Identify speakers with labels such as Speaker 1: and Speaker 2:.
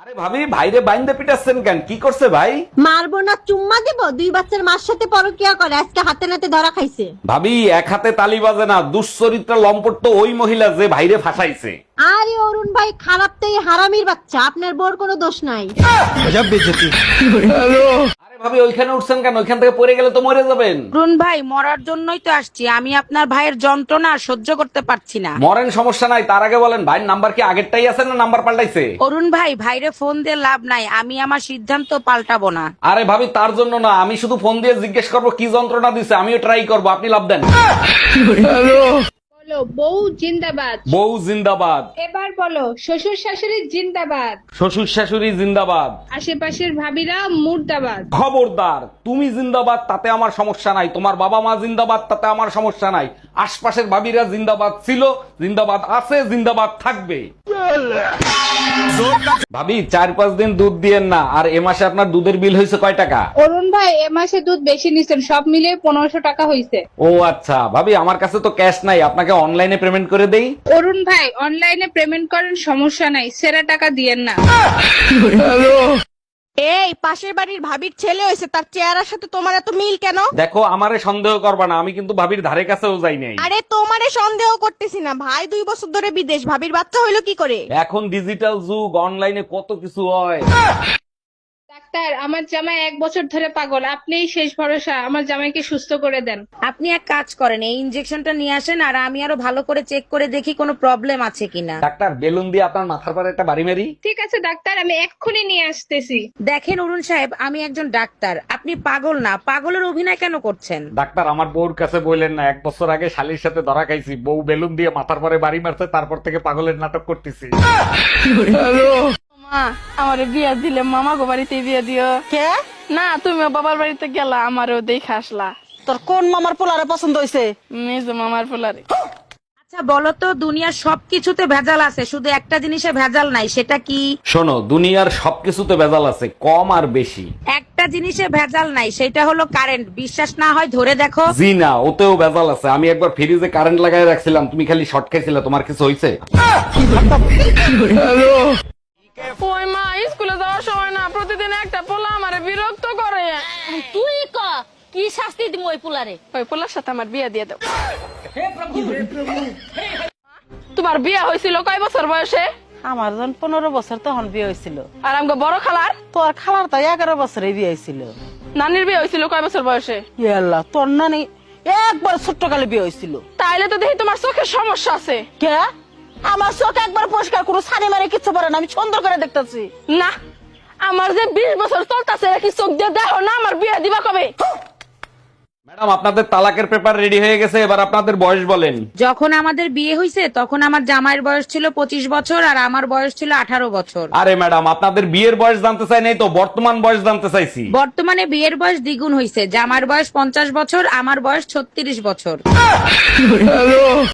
Speaker 1: ভাবি ভাইরে বাইন্দে পিটাচ্ছেন কেন? কি করছে ভাই?
Speaker 2: মারবো না চুম্মা দেবো? 2 বাচ্চার মার সাথে পরকিয়া করে আজকে হাতে নাতে ধরা খাইছে।
Speaker 1: ভাবি এক হাতে তালি বাজে না, দুশ্চরিত্রা লম্পট তো ওই মহিলা যে ভাইরে ফাঁসাইছে।
Speaker 2: আরে অরুণ ভাই খারাপ তো এই হারামির বাচ্চা, আপনার বোর কোনো দোষ নাই।
Speaker 1: আরে ভাবি ওইখানে উঠছেন কেন? ওইখান থেকে পড়ে গেলে তো মরে যাবেন।
Speaker 3: অরুণ ভাই মরার জন্যই তো আসছি, আমি আপনার ভাইয়ের যন্ত্রণা আর সহ্য করতে পারছি না।
Speaker 1: মরেন, সমস্যা নাই, তার আগে বলেন ভাইয়ের নাম্বার কি আগেরটাই আছে না নাম্বার পাল্টাইছে?
Speaker 3: অরুণ ভাই ভাইরে ফোন দিয়ে লাভ নাই, আমি আমার সিদ্ধান্ত পাল্টাবো না।
Speaker 1: আরে ভাবি তার জন্য না, আমি শুধু ফোন দিয়ে জিজ্ঞেস করবো কি যন্ত্রণা দিছে, আমিও ট্রাই করবো, আপনি লাভ দেন।
Speaker 4: বলো বউ জিন্দাবাদ।
Speaker 1: বউ জিন্দাবাদ।
Speaker 4: এবার বলো শ্বশুর শাশুড়ি জিন্দাবাদ।
Speaker 1: শ্বশুর শাশুড়ি জিন্দাবাদ।
Speaker 4: আশেপাশের ভাবিরা মুর্দাবাদ।
Speaker 1: খবরদার, তুমি জিন্দাবাদ তাতে আমার সমস্যা নাই, তোমার বাবা মা জিন্দাবাদ তাতে আমার সমস্যা নাই, আশপাশের ভাবিরা জিন্দাবাদ ছিল, জিন্দাবাদ আছে, জিন্দাবাদ থাকবে। ভাবি 4-5 দিন দুধ দিয়েন না। আর এ মাসে আপনার দুধের বিল হয়েছে কয় টাকা?
Speaker 4: অরুণ ভাই এ মাসে দুধ বেশি নিছেন, সব মিলিয়ে 1500 টাকা হইছে।
Speaker 1: ও আচ্ছা ভাবি, আমার কাছে তো ক্যাশ নাই, আপনাকে অনলাইনে পেমেন্ট করে দেই।
Speaker 4: অরুণ ভাই অনলাইনে পেমেন্ট করেন, সমস্যা নাই, সেরা টাকা দিয়েন না।
Speaker 2: এই পাশের বাড়ির ভাবির ছেলে হয়েছে, তার চেহারার সাথে তোমার এত মিল কেন?
Speaker 1: দেখো আমারে সন্দেহ করবা না, আমি কিন্তু ভাবির ধারে কাছেও যাই নাই।
Speaker 2: আরে তোমারে সন্দেহ করতেছি না, ভাই 2 বছর ধরে বিদেশ, ভাবির বাচ্চা হইলো কি করে?
Speaker 1: এখন ডিজিটাল যুগ, অনলাইনে কত কিছু হয়।
Speaker 4: ডাক্তার আমার জামাই 1 বছর ধরে পাগল, আপনিই শেষ ভরসা, আমার জামাইকে সুস্থ করে দেন।
Speaker 3: আপনি এক কাজ করেন, এই ইনজেকশনটা নিয়ে আসেন আর আমি আরো ভালো করে চেক করে দেখি কোনো প্রবলেম আছে কিনা।
Speaker 1: ডাক্তার বেলুন দিয়ে আপনার মাথার পরে একটা বাড়ি মারি।
Speaker 4: ঠিক আছে ডাক্তার, আমি এক্ষুনি নিয়ে আসতেছি।
Speaker 3: দেখেন অরুণ সাহেব, আমি একজন ডাক্তার, আপনি পাগল না, পাগলের অভিনয় কেন করছেন?
Speaker 1: ডাক্তার আমার বউর কাছে বললেন না, 1 বছর আগে শালির সাথে ধরা খাইছি, বউ বেলুন দিয়ে মাথার পরে বাড়ি মারছে, তারপর থেকে পাগলের নাটক করতেছি।
Speaker 5: মা আমারে বিয়া দিলে মামা গো বাড়িতে বিয়া দিও।
Speaker 2: কে?
Speaker 5: না তুমিও বাবার বাড়িতে গেলা, আমারও দেখে আসলা।
Speaker 2: তোর কোন মামার পোলারে পছন্দ হইছে?
Speaker 5: মেজ মামার পোলারে।
Speaker 3: আচ্ছা বলো তো, দুনিয়ার সবকিছুতে ভেজাল আছে, শুধু একটা জিনিসে ভেজাল নাই, সেটা কি?
Speaker 1: শোনো, দুনিয়ার সবকিছুতে ভেজাল আছে, কম আর বেশি।
Speaker 3: একটা জিনিসে ভেজাল নাই, সেটা হলো কারেন্ট। বিশ্বাস না হয় ধরে দেখো।
Speaker 1: জি না, ওতেও ভেজাল আছে। আমি একবার ফ্রিজে কারেন্ট লাগাই রাখছিলাম, তুমি খালি শর্ট খাইছিলে, তোমার কিছু হয়েছে?
Speaker 5: ওই মা স্কুলে যাওয়ার সময় না প্রতিদিন একটা পোলা আমারে বিরক্ত করে।
Speaker 6: তুই ক কি শাস্তি দিম ওই পুলারে?
Speaker 5: ওই পোলার সাথে আমার বিয়া দিয়ে দাও। তোমার বিয়া হয়েছিল কয় বছর বয়সে?
Speaker 7: আমার যখন 15 বছর তখন বিয়ে হয়েছিল।
Speaker 5: আর আমাকে বড় খালার?
Speaker 7: তোর খালার তো 11 বছরে বিয়ে হয়েছিল।
Speaker 5: নানির বিয়ে হয়েছিল কয় বছর বয়সে?
Speaker 7: আল্লাহ, তোর নানি একবার ছোট্ট কালে বিয়ে হয়েছিল।
Speaker 5: তাইলে তো দেখি তোমার চোখের সমস্যা আছে।
Speaker 7: কে? আমার চোখ একবার পরিষ্কার কোনো সানি মারে কিচ্ছু পারে না, আমি সুন্দর করে দেখতেছি।
Speaker 5: না, আমার যে 20 বছর চলতেছে কি চোখ দিয়ে দেখো না? আমার বিয়ে দিবা কবে?
Speaker 1: ম্যাডাম আপনাদের তালাকের পেপার রেডি হয়ে গেছে, এবার আপনাদের বয়স বলেন।
Speaker 3: যখন আমাদের বিয়ে হয়েছে তখন আমার জামাইয়ের বয়স ছিল 25 বছর আর আমার বয়স ছিল 18 বছর।
Speaker 1: আরে ম্যাডাম আপনাদের বিয়ের বয়স জানতে চাই নাই তো, বর্তমান বয়স জানতে চাইছি।
Speaker 3: বর্তমানে বিয়ের বয়স দ্বিগুণ হয়েছে, জামার বয়স 50 বছর, আমার বয়স 36 বছর।